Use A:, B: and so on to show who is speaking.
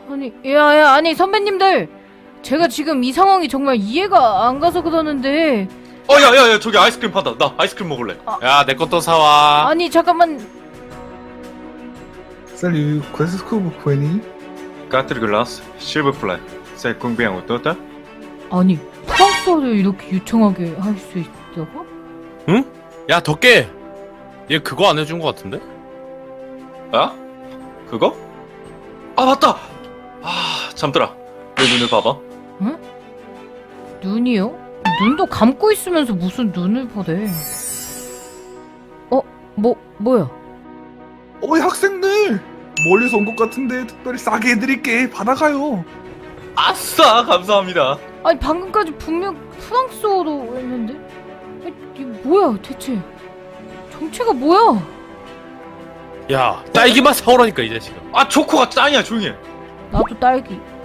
A: 아니, 야, 아니 선배님들, 제가 지금 이 상황이 정말 이해가 안 가서 그러는데.
B: 야야야, 저기 아이스크림 판다. 나 아이스크림 먹을래.
C: 야, 내 것도 사와.
A: 아니 잠깐만.
D: Salut, quoi est-ce que vous prenez?
B: 4 glaces, s'il vous plaît. C'est combien au total?
A: 아니 프랑스어를 이렇게 유창하게 할 수 있다고?
C: 야, 덕계. 얘 그거 안 해준 것 같은데?
B: 야? 그거? 아, 맞다! 잠들아. 내 눈을 봐봐.
A: 눈이요? 눈도 감고 있으면서 무슨 눈을 보래? 뭐야?
D: 어이 학생들! 멀리서 온 것 같은데 특별히 싸게 해드릴게. 받아가요.
B: 아싸! 감사합니다.
A: 아니 방금까지 분명 프랑스어로 했는데? 아니, 이게 뭐야 대체? 정체가 뭐야?
C: 야, 딸기맛 사오라니까, 이 자식아.
B: 초코가 짱이야, 조용히 해.
A: 나도 딸기.